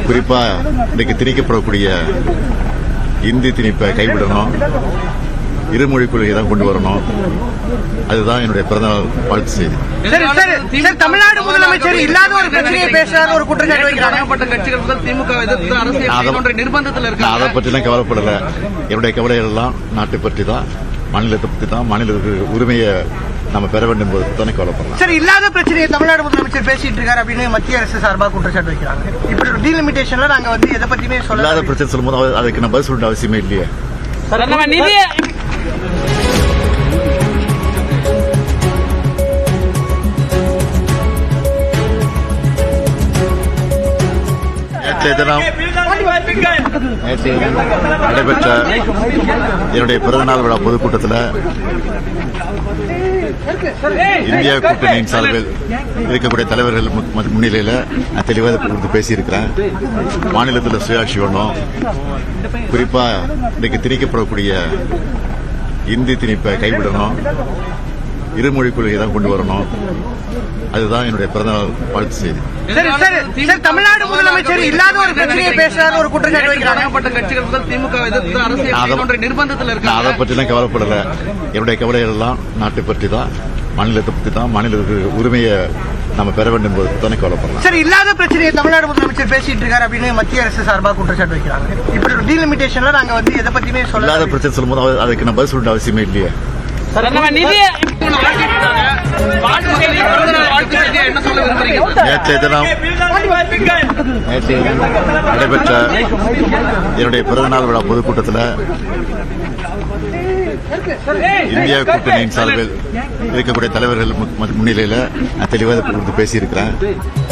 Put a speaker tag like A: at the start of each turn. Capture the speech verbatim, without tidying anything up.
A: குறிப்பா இன்னைக்கு திணிக்கப்படக்கூடிய இந்தி திணிப்பை கைவிடணும், இருமொழி கொள்கையை தான் கொண்டு வரணும். அதுதான் என்னுடைய பிறந்தநாள் வாழ்த்து செய்தி.
B: தமிழ்நாடு முதலமைச்சர் இல்லாத ஒரு பிரச்சனையை பேசுறாரு ஒரு குற்றச்சாட்டு வைக்கிறாங்க.
C: கட்சிகள் திமுக எதிர்த்து அரசியல் நிர்பந்தத்தில் இருக்கு.
A: அதை பற்றிலாம் கவலைப்படல. என்னுடைய கவலைகள் எல்லாம் நாட்டை பற்றி தான், மாநிலத்தை பற்றி தான். மாநிலத்துக்கு உரிமையை நம்ம பெற வேண்டும் என்பது தானே கவலைப்படலாம்.
B: சரி, இல்லாத பிரச்சனையை தமிழ்நாடு முதலமைச்சர் பேசிட்டு இருக்காரு அப்படின்னு மத்திய அரசு சார்பாக குற்றச்சாட்டு வைக்கிறாங்க. இப்படி ஒரு டீலிமிட்டேஷன்ல நாங்க வந்து எதை பத்தியுமே சொல்ல
A: இல்லாத பிரச்சனை சொல்லும்போது அதுக்கு நான் பதில் சொல்ல அவசியமே இல்லையே. நேற்றைய தினம் நடைபெற்ற என்னுடைய பிறந்தநாள் விழா பொதுக்கூட்டத்தில் இந்தியா கூட்டணியின் சார்பில் இருக்கக்கூடிய தலைவர்கள் முன்னிலையில் நான் தெளிவாக குறித்து பேசியிருக்கிறேன். மாநிலத்தில் சுயாட்சி வேணும், குறிப்பா இன்னைக்கு திணிக்கப்படக்கூடிய இந்தி திணிப்பை கைவிடணும், இருமொழி கொள்கையை தான் கொண்டு வரணும். அதுதான் என்னுடைய பிறந்தநாள் வாழ்த்து செய்தி.
B: தமிழ்நாடு முதலமைச்சர் இல்லாத ஒரு பிரச்சனையை பேசுறாரு ஒரு குற்றச்சாட்டு வைக்கிறாங்க.
C: கட்சிகள் திமுக எதிர்த்து அரசியல் நிர்பந்தத்தில் இருக்கு.
A: அதை பற்றிலாம் கவலைப்படல. என்னுடைய கவலைகள் எல்லாம் நாட்டை பற்றி தான், மாநிலத்தை பற்றி தான். மாநிலத்துக்கு உரிமையை நம்ம பெற வேண்டும் என்பது தானே கவலைப்படலாம்.
B: சரி, இல்லாத பிரச்சனையை தமிழ்நாடு முதலமைச்சர் பேசிட்டு இருக்காரு அப்படின்னு மத்திய அரசு சார்பாக குற்றச்சாட்டு வைக்கிறாங்க. இப்படி ஒரு டீலிமிட்டேஷன்ல நாங்க வந்து எதை பத்தியுமே சொல்ல
A: இல்லாத பிரச்சனை சொல்லும்போது அதுக்கு நான் பதில் சொல்ல அவசியமே இல்லையே. நேற்றைய தினம் நடைபெற்ற என்னுடைய பிறந்தநாள் விழா பொதுக்கூட்டத்தில் இந்தியா கூட்டணியின் சார்பில் இருக்கக்கூடிய தலைவர்கள் முன்னிலையில் நான் தெளிவாக குறித்து பேசியிருக்கிறேன்.